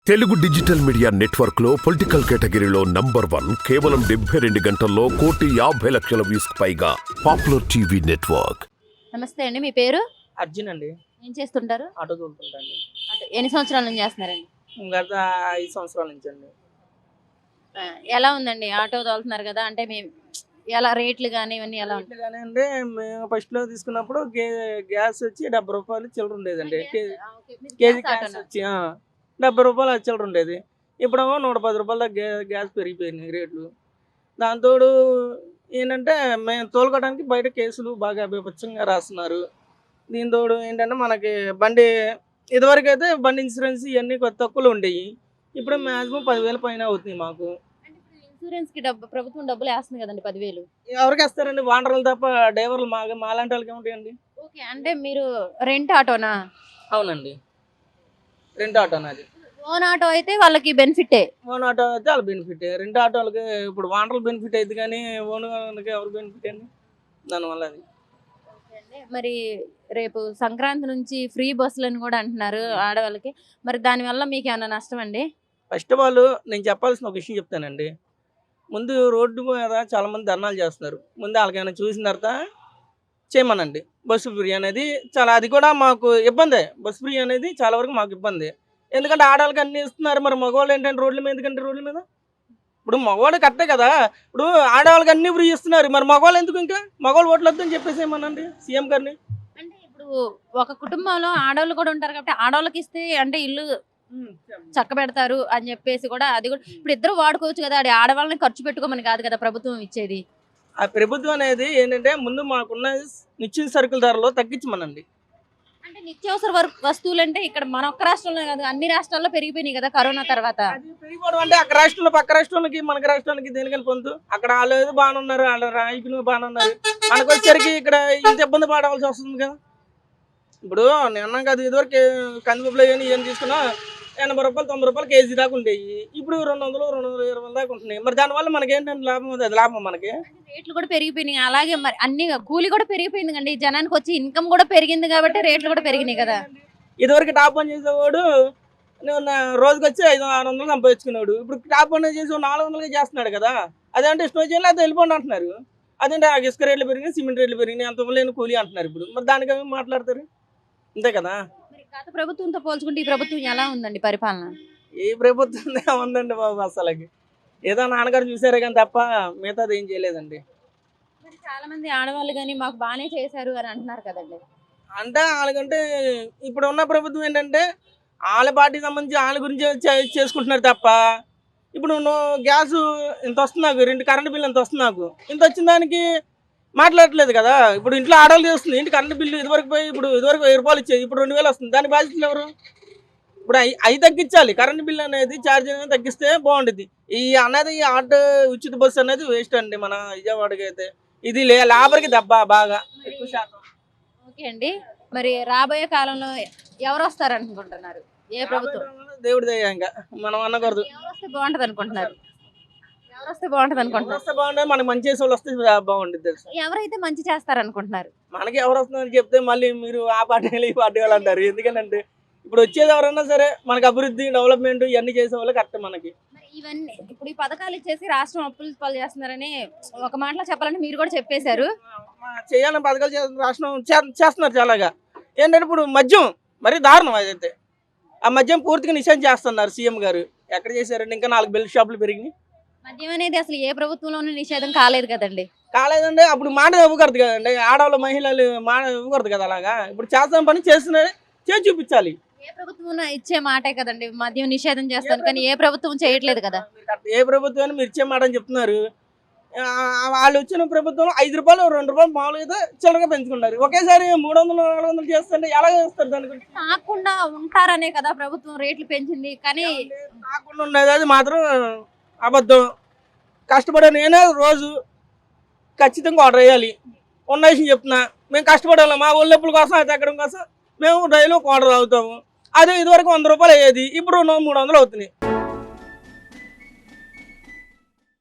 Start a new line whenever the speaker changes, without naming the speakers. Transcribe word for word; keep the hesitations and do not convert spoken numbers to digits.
Telugu digital media network లో political కేటగిరీలో number one కేవలం డెబ్బై రెండు గంటల్లో కోటి యాభై లక్షల వ్యూస్ పైగా పాపులర్ టీవీ నెట్వర్క్.
నమస్తే అండి, మీ పేరు?
అర్జున్ అండి.
ఏం చేస్తుంటారు?
ఆటో తోలుతుంటండి.
అంటే ఎన్ని సంవత్సరాల నుంచి చేస్తున్నారండి?
గత ఐదు సంవత్సరాల నుంచి అండి.
ఆ, ఎలా ఉందండి ఆటో తోలుతున్నారు కదా, అంటే మేము ఎలా రేట్లు కానీ ఇవన్నీ ఎలా ఉంటాయి?
కానీ అంటే మేము ఫస్ట్ లో తీసుకున్నప్పుడు గే- గ్యాస్ వచ్చి డెబ్బై రూపాయలు చిల్లర ఉండేదండి. కే- కేజీ గ్యాస్ వచ్చి ఆ, డెబ్బై రూపాయలు చిల్లర ఉండేది. ఇప్పుడేమో నూట పది రూపాయల దాకా గ్యా- గ్యాస్ పెరిగిపోయినాయి రేట్లు. దాంతోడు ఏంటంటే మేము తోలుకోవడానికి బయట కేసులు బాగా బీభత్సంగా రాస్తున్నారు. దీంతోడు ఏంటంటే మనకి బండి ఇదివరకు అయితే బండి ఇన్సూరెన్స్ ఇవన్నీ కొద్ది తక్కువలో ఉండేవి. ఇప్పుడు మ్యాక్సిమం పదివేల పైన అవుతుంది మాకు.
అంటే ఇప్పుడు ఇన్సూరెన్స్ కి డబ్బు ప్రభుత్వం డబ్బులు వేస్తుంది కదండి, పదివేలు.
ఎవరికి వేస్తారండి? వాండర్లు తప్ప డ్రైవర్లు మా మాలాంటి వాళ్ళకి ఏముంటాయండి?
ఓకే, అంటే మీరు రెంట్ ఆటోనా?
అవునండి, రెంట్ ఆటో అది.
ఓన్ ఆటో అయితే వాళ్ళకి బెనిఫిటే.
ఓన్ ఆటో అయితే వాళ్ళ బెనిఫిట్. రెండు ఆటోలకి ఇప్పుడు వాండర్లు బెనిఫిట్ అయితే కానీ ఓన్ వాళ్ళకి ఎవరు బెనిఫిట్ అండి? దానివల్ల అది.
ఓకే అండి, మరి రేపు సంక్రాంతి నుంచి ఫ్రీ బస్సులని కూడా అంటున్నారు ఆడవాళ్ళకి. మరి దానివల్ల మీకు ఏమైనా నష్టం అండి?
ఫస్ట్ ఆఫ్ ఆల్ నేను చెప్పాల్సిన ఒక విషయం చెప్తానండి. ముందు రోడ్డు మీద చాలామంది ధర్నాలు చేస్తున్నారు. ముందు వాళ్ళకైనా చూసిన తర్వాత చేయమనండి. బస్సు ఫ్రీ అనేది చాలా, అది కూడా మాకు ఇబ్బందే. బస్సు ఫ్రీ అనేది చాలా వరకు మాకు ఇబ్బంది. ఎందుకంటే ఆడవాళ్ళకి అన్నీ ఇస్తున్నారు, మరి మగవాళ్ళు ఏంటంటే రోడ్ల మీద, ఎందుకంటే రోడ్ల మీద ఇప్పుడు మగవాళ్ళు కట్టే కదా. ఇప్పుడు ఆడవాళ్ళకి అన్నీ ఫ్రీ ఇస్తున్నారు, మరి మగవాళ్ళు ఎందుకు? ఇంకా మగవాళ్ళు ఓట్లు వద్దని చెప్పేసి ఏమనండి సీఎం గారిని.
అంటే ఇప్పుడు ఒక కుటుంబంలో ఆడవాళ్ళు కూడా ఉంటారు కాబట్టి ఆడవాళ్ళకి ఇస్తే అంటే ఇల్లు చక్క పెడతారు అని చెప్పేసి కూడా, అది కూడా ఇప్పుడు ఇద్దరు వాడుకోవచ్చు కదా. అది ఆడవాళ్ళని ఖర్చు పెట్టుకోమని కాదు కదా ప్రభుత్వం ఇచ్చేది.
ఆ ప్రభుత్వం అనేది ఏంటంటే ముందు మాకున్న నిశ్చిత సరుకుల ధరలో తగ్గించమనండి.
అంటే నిత్యావసర వర్- వస్తువులు అంటే ఇక్కడ మన ఒక్క రాష్ట్రంలో కాదు, అన్ని రాష్ట్రాల్లో పెరిగిపోయినాయి కదా కరోనా తర్వాత.
అది పెరిగిపోవడం అంటే అక్కడ రాష్ట్రంలో పక్క రాష్ట్రాలకి మనకి రాష్ట్రానికి దేనికని పొందు. అక్కడ వాళ్ళు ఏదో బాగానే ఉన్నారు, వాళ్ళ రాయకులు బాగానే ఉన్నారు. మనకు వచ్చేసరికి ఇక్కడ ఇంత ఇబ్బంది పడవలసి వస్తుంది కదా. ఇప్పుడు నేను అన్నాం కదా, ఇదివరకు కందిపప్పులు కానీ ఏం తీసుకున్నా ఎనభై రూపాయలు తొంభై రూపాయలు కేజీ దాకా ఉండేవి. ఇప్పుడు రెండు వందలు రెండు వందల ఇరవై దాకా ఉంటున్నాయి. మరి దానివల్ల మనకి ఏంటంటే లాభం ఉంది, అది లాభం మనకి.
అంటే రేట్లు కూడా పెరిగిపోయినాయి. అలాగే మరి అన్ని కూలి కూడా పెరిగిపోయింది కండి, జనానికి వచ్చి ఇన్కమ్ కూడా పెరిగింది కాబట్టి రేట్లు కూడా పెరిగినాయి కదా.
ఇదివరకు టాప్ పని చేసేవాడు నువ్వు నా రోజుకి వచ్చి ఐదు ఆరు వందలు సంపాదించుకున్నాడు. ఇప్పుడు టాప్ పని చేసి నాలుగు వందలుగా చేస్తున్నాడు కదా. అదేంటే ఇష్టం చేయాలి, అది వెళ్ళిపోండి అంటున్నారు. అదేంటే ఆ ఇసుక రేట్లు పెరిగినాయి, సిమెంట్ రేట్లు పెరిగినాయి, అంత లేని కూలి అంటున్నారు. ఇప్పుడు మరి దానికి ఏమి మాట్లాడతారు? అంతే కదా.
మరి గత ప్రభుత్వంతో పోల్చుకుంటే ఈ ప్రభుత్వం ఎలా ఉందండి పరిపాలన?
ఏ ప్రభుత్వం ఉందండి బాబు అసలుకి. ఏదో నాన్నగారు చూసారే కానీ తప్ప మిగతాది ఏం చేయలేదండి.
మరి చాలా మంది ఆడవాళ్ళు కానీ మాకు బాగానే చేశారు అని అంటున్నారు కదండి.
అంటే వాళ్ళకంటే ఇప్పుడు ఉన్న ప్రభుత్వం ఏంటంటే వాళ్ళ పార్టీకి సంబంధించి వాళ్ళ గురించి చే- చేసుకుంటున్నారు తప్ప, ఇప్పుడు నువ్వు గ్యాస్ ఇంత వస్తుంది నాకు, రెండు కరెంటు బిల్లు ఇంత వస్తుంది నాకు, ఇంత వచ్చిన దానికి మాట్లాడట్లేదు కదా. ఇప్పుడు ఇంట్లో ఆడవాళ్ళు చేస్తుంది, ఇంటి కరెంటు బిల్లు ఇదివరకు పోయి ఇప్పుడు ఇదివరకు వెయ్యి రూపాయలు ఇచ్చేది, ఇప్పుడు రెండు వేలు వస్తుంది. దాని బాధ్యతలు ఎవరు? ఇప్పుడు అవి అవి తగ్గించాలి. కరెంటు బిల్లు అనేది ఛార్జ్ అనేది తగ్గిస్తే బాగుంటుంది. ఈ అనేది ఈ ఆటో ఉచిత బస్సు అనేది వేస్ట్ అండి మన విజయవాడకి అయితే. ఇది లే లేబర్కి దెబ్బ బాగా ఎక్కువ శాతం.
ఓకే అండి, మరి రాబోయే కాలంలో ఎవరు వస్తారు అనుకుంటున్నారు? ఏ ప్రభుత్వం
దేవుడి దయ ఇంకా మనం అనకూడదు.
ఎవరు వస్తే బాగుంటది అనుకుంటున్నారు? ఎవరు వస్తే బాగుంటది
ఎవరు
అనుకుంటున్నారు?
వస్తే బాగుంటుంది, మనకి మంచి చేసే వాళ్ళు వస్తే బాగుంటుంది తెలుసు.
ఎవరైతే మంచి చేస్తారు అనుకుంటున్నారు?
మనకి ఎవరు వస్తుందని చెప్తే మళ్ళీ మీరు ఆ పార్టీ వాళ్ళు ఈ పార్టీ వాళ్ళు అంటారు. ఎందుకంటే ఇప్పుడు వచ్చేది ఎవరన్నా సరే మనకి అభివృద్ధి డెవలప్మెంట్ ఇవన్నీ చేసే వాళ్ళు కరెక్ట్ మనకి.
మరి ఇవన్నీ ఇప్పుడు ఈ పథకాలు ఇచ్చేసి రాష్ట్రం అప్పులు పాలు చేస్తున్నారని ఒక మాటలో చెప్పాలంటే మీరు కూడా చెప్పేశారు.
చేయాలని పథకాలు చేస్తున్న రాష్ట్రం చే- చేస్తున్నారు చాలాగా. ఏంటంటే ఇప్పుడు మద్యం మరీ దారుణం. అదైతే ఆ మద్యం పూర్తిగా నిషేధం చేస్తున్నారు సీఎం గారు. ఎక్కడ చేశారండి? ఇంకా నాలుగు బెల్ట్ షాపులు పెరిగినాయి.
మద్యం అనేది అసలు ఏ ప్రభుత్వంలోనూ నిషేధం కాలేదు కదండి.
కాలేదండి, అప్పుడు మాట ఇవ్వకూడదు కదండి. ఆడవాళ్ళ మహిళలు మాట ఇవ్వకూడదు కదా. అలాగా ఇప్పుడు చేస్తాం పని చేస్తున్నారు, చేసి చూపించాలి.
ఏ ప్రభుత్వం ఇచ్చే మాటే కదండి మద్యం నిషేధం చేస్తాను, కానీ ఏ ప్రభుత్వం చేయట్లేదు కదా.
ఏ ప్రభుత్వాన్ని మీరు ఇచ్చే మాట అని చెప్తున్నారు. ఆ, వాళ్ళు వచ్చిన ప్రభుత్వంలో ఐదు రూపాయలు రెండు రూపాయలు మామూలుగా అయితే చిల్లరగా పెంచుకున్నారు. ఒకేసారి మూడు వందలు నాలుగు వందలు చేస్తుంటే ఎలా చేస్తారు? దాని గురించి
తాకుండా ఉంటారనే కదా ప్రభుత్వం రేట్లు పెంచింది. కానీ
కాకుండా ఉండేది అది మాత్రం అబద్ధం. కష్టపడే నేనే రోజు ఖచ్చితంగా ఆర్డర్ వేయాలి. ఉన్న విషయం చెప్తున్నా, మేము కష్టపడాలి. మా ఒళ్ళెప్పుల కోసం అది ఎక్కడం కోసం మేము డైలీ ఒక ఆర్డర్ అవుతాము. అదే ఇదివరకు వంద రూపాయలు అయ్యేది, ఇప్పుడు రెండు మూడు వందలు అవుతున్నాయి.